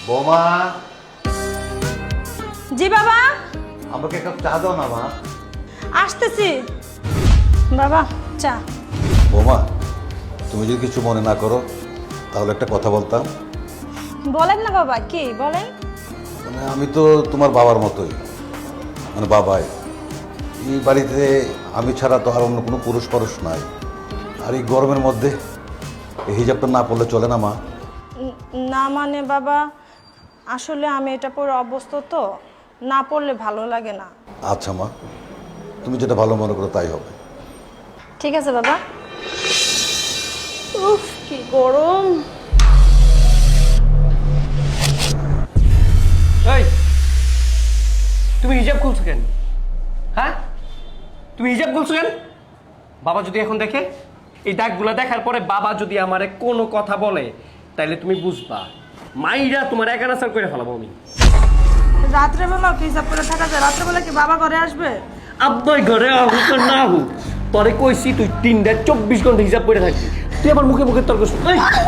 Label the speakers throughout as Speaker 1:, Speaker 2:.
Speaker 1: বোমা,
Speaker 2: জি বাবা,
Speaker 1: আমাকে এক কাপ চা দাও না মা।
Speaker 2: আসতেছি বাবা। চা।
Speaker 1: বোমা, তুমি যদি কিছু মনে না করো তাহলে একটা কথা বলতাম।
Speaker 2: বলেন না বাবা, কি বলেন?
Speaker 1: মানে আমি তো তোমার বাবার মতোই, মানে বাবাই। এই বাড়িতে আমি ছাড়া তো আর অন্য কোনো পুরুষ পরুষ নাই। আর এই গরমের মধ্যে এই হিজাবটা না পরলে চলে না মা?
Speaker 2: না মানে বাবা, আসলে আমি এটা পরে অভ্যস্ত তো, না পড়লে ভালো লাগে না।
Speaker 1: আচ্ছা মা, তুমি যেটা ভালো মনে করো তাই হবে।
Speaker 2: ঠিক আছে বাবা। উফ, কি গরম।
Speaker 3: এই, তুমি হিজাব খুলছো কেন? হ্যাঁ, তুমি হিজাব খুলছো কেন? বাবা যদি এখন দেখে, এই দাগগুলো দেখার পরে বাবা যদি আমারে কোনো কথা বলে, তাইলে তুমি বুঝবা মাইরা তোমার একানাসার করে ফেলাবো আমি।
Speaker 2: রাত্রেবেলা কি হিসাব করে থাকা যায়? রাত্রেবেলা কি বাবা ঘরে আসবে?
Speaker 3: আব্বাই ঘরে আহুক আর না হুক, তোরে কইছি তুই 3-24 ঘন্টা হিসাব করে থাকবি। তুই আবার মুখে মুখে তর্ক শুন।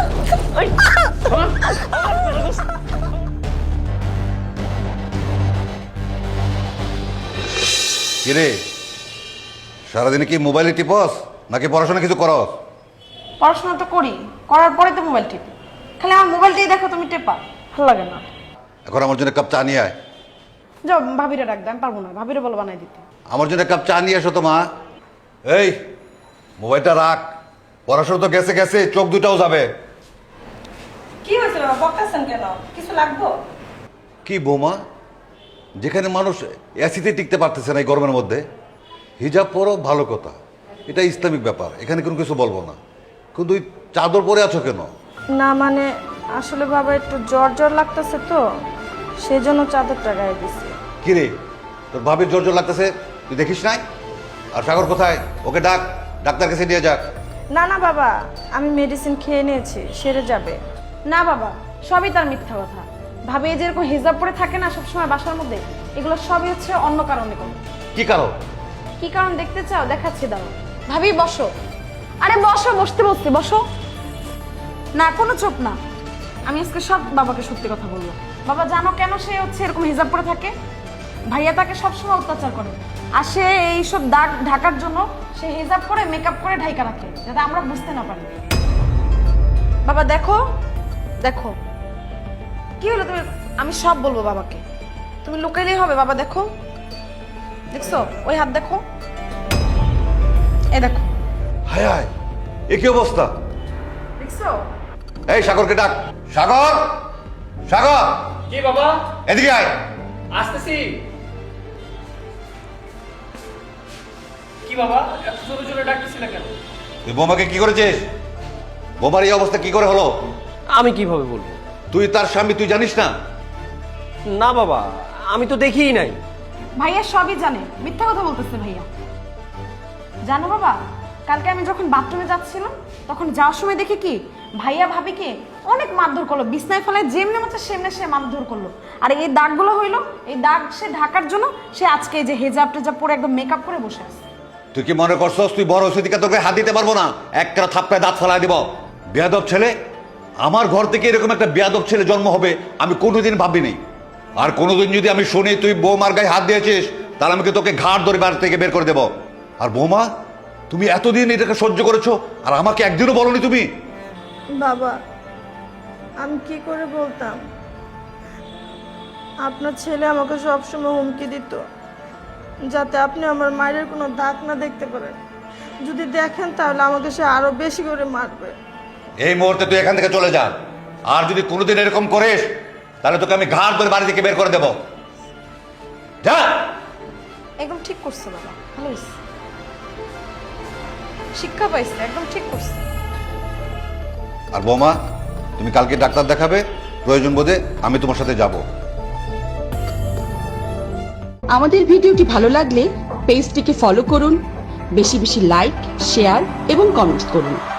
Speaker 1: কিরে, সারাদিনে কি মোবাইলে টিপস নাকি পড়াশোনা কিছু করস?
Speaker 2: পড়াশোনা তো করি, করার পরে তো মোবাইল টিপি। খালি আমার মোবাইলটাই দেখো তুমি টেপা, ভালো লাগে না।
Speaker 1: এখন আমার জন্য এক কাপ চা নিয়ে আয়।
Speaker 2: যাও ভাবিরে ডাক দে, আমি পারবো না, ভাবিরে বলো বানাই দিতে।
Speaker 1: আমার জন্য এক কাপ চা নিয়ে এসো তো মা। এই মোবাইলটা রাখ, পড়াশোনা তো গেছে গেছে, চোখ দুটাও যাবে।
Speaker 2: কি হয়েছে বাবা, বকতেছেন কেন? কিছু লাগবো?
Speaker 1: কি বোমা, যেখানে মানুষ এসিতে টিকতে পারতেছে না এই গরমের মধ্যে, হিজাব পরো ভালো কথা, এটা ইসলামিক ব্যাপার, এখানে কোনো কিছু বলবো না, কিন্তু ওই চাদর পরে আছো কেন?
Speaker 2: না মানে আসলে বাবা একটু জ্বর জ্বর লাগতেছে তো, সেজন্য চাদরটা গায়ে দিছি।
Speaker 1: কিরে, তোর ভাবির জোর জোর লাগতেছে, তুই দেখিস নাই? আর সাগর কোথায়? ওকে ডাক, ডাক্তার কাছে নিয়ে যাক।
Speaker 2: না না বাবা, আমি মেডিসিন খেয়ে নিয়েছি, সেরে যাবে। না বাবা, সবই তার মিথ্যা কথা। ভাবি এই যেরকম হিজাব পরে থাকে না সবসময় বাসার মধ্যে, এগুলো সবই হচ্ছে অন্য কারণে কোনো।
Speaker 1: কি কারণ?
Speaker 2: কি কারণ দেখতে চাও? দেখাচ্ছি, দাও। ভাবি বসো। আরে বসো, বসতে বসতে বসো। না কোনো চোখ না, আমি আজকে সব বাবাকে সত্যি কথা বলবো। বাবা জানো কেন সে হচ্ছে এরকম হিজাব পরে থাকে? ভাইয়া তাকে সবসময় অত্যাচার করে, আর সে এইসব দাগ ঢাকার জন্য সে হিজাব করে মেকআপ করে ঢাকা রাখে, যাতে আমরা বুঝতে না পারি। বাবা দেখো, দেখো কি হলো তুমি? আমি সব বলবো বাবাকে, তুমি লুকাইলেই হবে। বাবা দেখো, দেখছো ওই হাত দেখো, এ দেখো।
Speaker 1: হায় হায়, এ কি অবস্থা?
Speaker 2: দেখছো?
Speaker 1: এই সাগরকে ডাক। সাগর, সাগর
Speaker 3: জি বাবা,
Speaker 1: এদিকে আয়।
Speaker 3: আসতেছি। কি বাবা, এত জোরে জোরে ডাকতেছিলে কেন?
Speaker 1: তুই বোমাকে কি করেছিস? বোমার এই অবস্থা কি করে হলো?
Speaker 3: আমি কিভাবে বলবো?
Speaker 1: তুই তার স্বামী, তুই জানিস না?
Speaker 3: না বাবা, আমি তো দেখিই নাই।
Speaker 2: ভাইয়া সবই জানে, মিথ্যা কথা বলতেছে ভাইয়া। জানো বাবা, কালকে আমি যখন বাথরুমে যাচ্ছিলাম, তখন যাওয়ার সময় দেখি কি ভাইয়া ভাবিকে অনেক মারধর করলো, বিছনায় ফেলায় যেমনি মতো সেমনে সে মারধর করলো। আর এই দাগগুলো হইলো, এই দাগ সে ঢাকার জন্য সে আজকে এই যে হেজাব টেজাব পরে একদম মেকআপ করে বসে আছে।
Speaker 1: তুই কি মনে করছস তুই বড় সেদিকে তোকে হাত দিতে পারবো না? একটা থাপ্পড়ায় দাঁত ফেলাই দিব। বেয়াদব ছেলে, আমার ঘর থেকে এরকম একটা বেয়াদব ছেলে জন্ম হবে আমি কোনোদিন ভাবিনি। আর কোনোদিন যদি আমি শুনি তুই বৌমার গায়ে হাত দিয়েছিস, তাহলে আমি তোকে ঘাট ধরে বাড়ি থেকে বের করে দেব। আর বৌমা, তুমি এতদিন এটাকে সহ্য করেছো, আর আমাকে একদিনও বলনি তুমি?
Speaker 2: বাবা আমি কি করে বলতাম? আপনার ছেলে আমাকে সবসময় হুমকি দিত, যাতে আপনি আমার মায়ের কোনো দাগ না দেখতে পারেন। যদি দেখেন তাহলে আমাকে সে আরো বেশি করে মারবে।
Speaker 1: এই মুহূর্তে তুই এখান থেকে চলে যা, আর যদি কোনোদিন এরকম করিস তাহলে তোকে আমি ঘাট ধরে বাড়ি থেকে বের করে দেব। যা।
Speaker 2: একদম ঠিক করছে বাবা, ভালো হয়েছে, শিক্ষা পাইছে, একদম ঠিক করছে।
Speaker 1: আর বৌমা, তুমি কালকে ডাক্তার দেখাবে, প্রয়োজন বোধে আমি তোমার সাথে যাব।
Speaker 4: আমাদের ভিডিওটি ভালো লাগলে পেজটিকে ফলো করুন, বেশি বেশি লাইক, শেয়ার এবং কমেন্ট করুন।